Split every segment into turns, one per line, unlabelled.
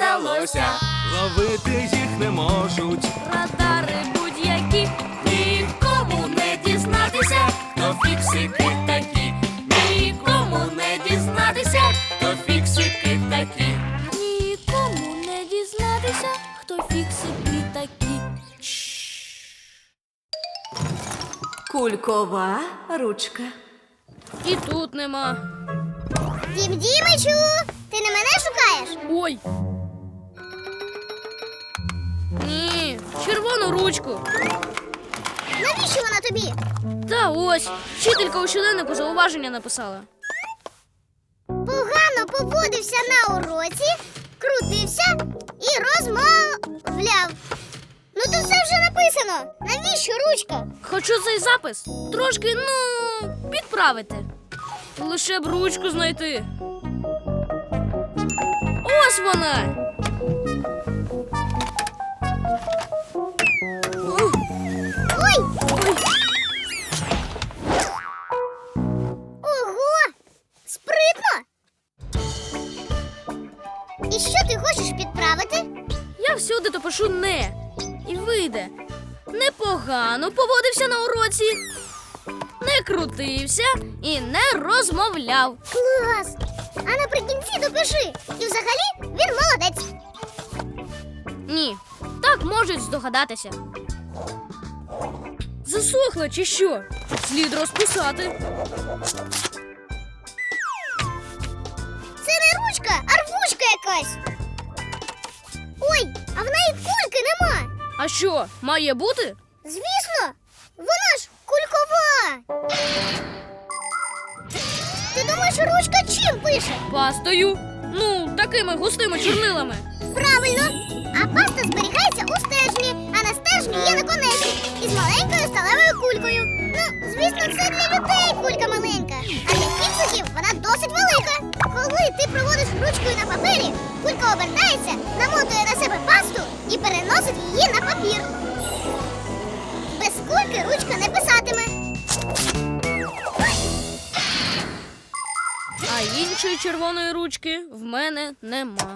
вдалося.
Ловити їх не можуть.
Радари будь-які, нікому не дізнатися, хто фіксики такі. Нікому не дізнатися, хто фіксики такі. Нікому не дізнатися, хто фіксики такі.
Кулькова ручка.
І тут нема.
Дім Дімичу, ти не мене шукаєш?
Ой. Ні, червону ручку.
Навіщо вона тобі?
Та ось, вчителька у щоденнику зауваження написала.
Погано поводився на уроці, крутився і розмовляв. Ну то все вже написано. Навіщо ручка?
Хочу цей запис трошки, підправити. Лише б ручку знайти. Ось вона.
Ой! Ого! Спритно! І що ти хочеш підправити?
Я всюди то пишу «не». І вийде. Непогано поводився на уроці, не крутився і не розмовляв.
Клас! А наприкінці допиши. І взагалі він молодець.
Ні, так можуть здогадатися. Засохла чи що? Слід розписати.
Це не ручка, а рвучка якась. Ой, а в неї кульки нема.
А що, має бути?
Звісно, вона ж кулькова. Ти думаєш, ручка чим пише?
Пастою. Такими густими чорнилами.
Правильно. А паста зберігається у стержні, а на стержні є наконечник із маленькою сталевою кулькою. Ну, звісно, це для людей кулька маленька, а для фіксиків вона досить велика. Коли ти проводиш ручкою на папері, кулька обертається, намотує на себе пасту і переносить її на папір. Без кульки ручка не писатиме.
А іншої червоної ручки в мене нема.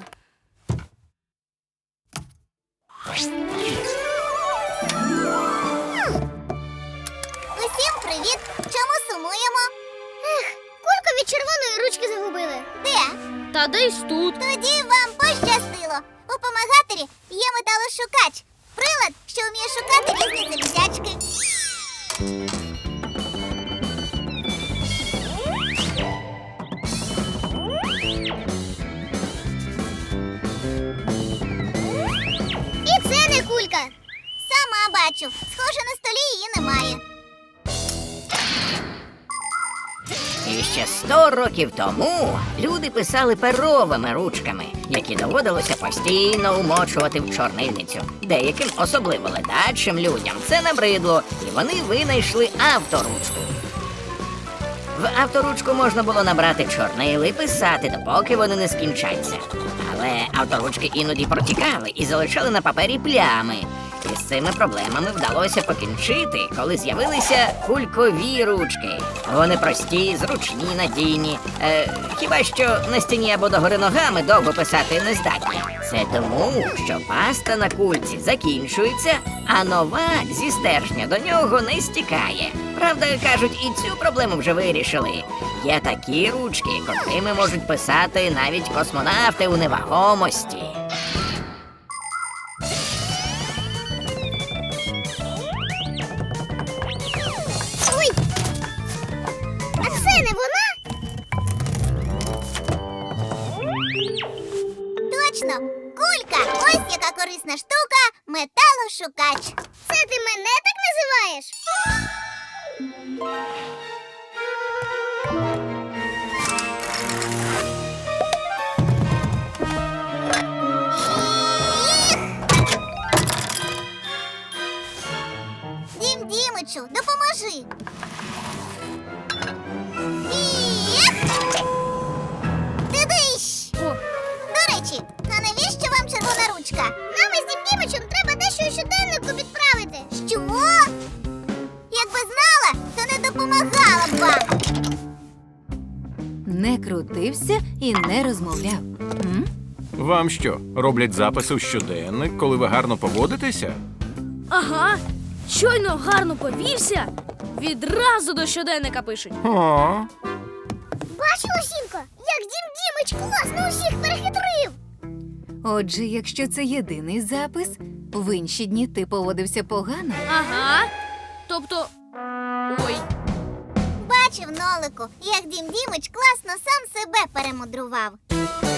Усім привіт! Чому сумуємо? Кульку від червоної ручки загубили. Де?
Та десь тут.
Тоді вам пощастило. У помагаторі є металошукач. Прилад, що вміє шукати різні залізячки. І це не кулька. Сама бачу. Схоже, на столі її немає.
І ще 100 років тому люди писали перовими ручками, які доводилося постійно умочувати в чорнильницю. Деяким, особливо ледачим людям, це набридло, і вони винайшли авторучку. В авторучку можна було набрати чорнили і писати, допоки вони не скінчаться. Але авторучки іноді протікали і залишали на папері плями. І з цими проблемами вдалося покінчити, коли з'явилися кулькові ручки. Вони прості, зручні, надійні. Хіба що на стіні або догори ногами довго писати не здатні. Це тому, що паста на кульці закінчується, а нова зі стержня до нього не стікає. Правда, кажуть, і цю проблему вже вирішили. Є такі ручки, котрими можуть писати навіть космонавти у невагомості.
Ой! А це не вона? Точно! Кулька! Ось яка корисна штука – металошукач. Це ти мене так називаєш? Дім Дімичу, допоможи. Ти-дищ!
О,
До речі, а навіщо вам червона ручка? Нам із Дім Дімичем треба дещо у щоденнику підправити. Що? Якби знала, то не допомагала б вам.
Не крутився і не розмовляв.
Вам вам що, роблять записи у щоденник, коли ви гарно поводитеся?
Ага, щойно гарно повівся, відразу до щоденника пишуть.
О,
Бачила, Сімко, як Дім Дімич класно усіх перехитрив.
Отже, якщо це єдиний запис, в інші дні ти поводився погано.
Ага. Тобто. Ой.
Бачив, Нолику, як Дім Дімич класно сам себе перемудрував.